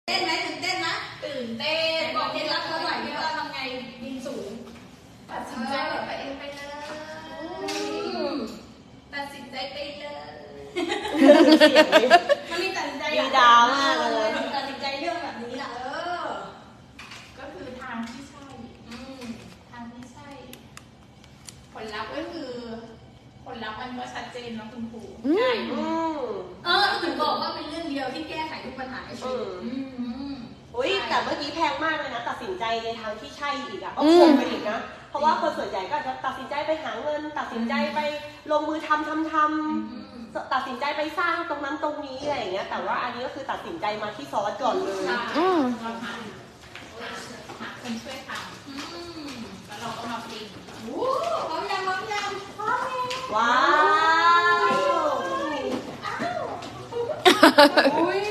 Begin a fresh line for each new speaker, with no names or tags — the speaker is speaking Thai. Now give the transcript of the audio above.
เต้นไหมตื่นเต้นไหมตื่นเต้นบอกเคล็ดลับเขาหน่อยว่าทำไงบินสูงตัดสินใจไปเองไปเลยตัดสินใจไปเลยมันมีตัดสินใจ
ดีดามากเลย
ตัดสินใจเรื่องแบบนี้ล่ะ
ก็คือทางที่ใช่ทางที่ใช่ผลลัพธ์ก็คือผลลัพธ์มันก็ชัดเจนนะคุณครูใช่
ถึงบอกว่าเป็นเรื่องเดียวที่แก้ไขทุกปัญหาในชีวิต
อุ้ยแต่เมื่อกี้แพงมากเลยนะตัดสินใจในทางที่ใช่อีกอ่ะก็คงไปอีกนะเพราะว่าคนส่วนใหญ่ก็จะตัดสินใจไปหาเงินตัดสินใจไปลงมือทำตัดสินใจไปสร้างตรงนั้นตรงนี้อะไรอย่างเงี้ยแต่ว่าอันนี้ก็คือตัดสินใจมาที่ซอสก่อนเลย
เราหาคนช่วยทำแล้วเราก็มาปิ้ง
พร้อมยัง
ว้าว
อุ้ย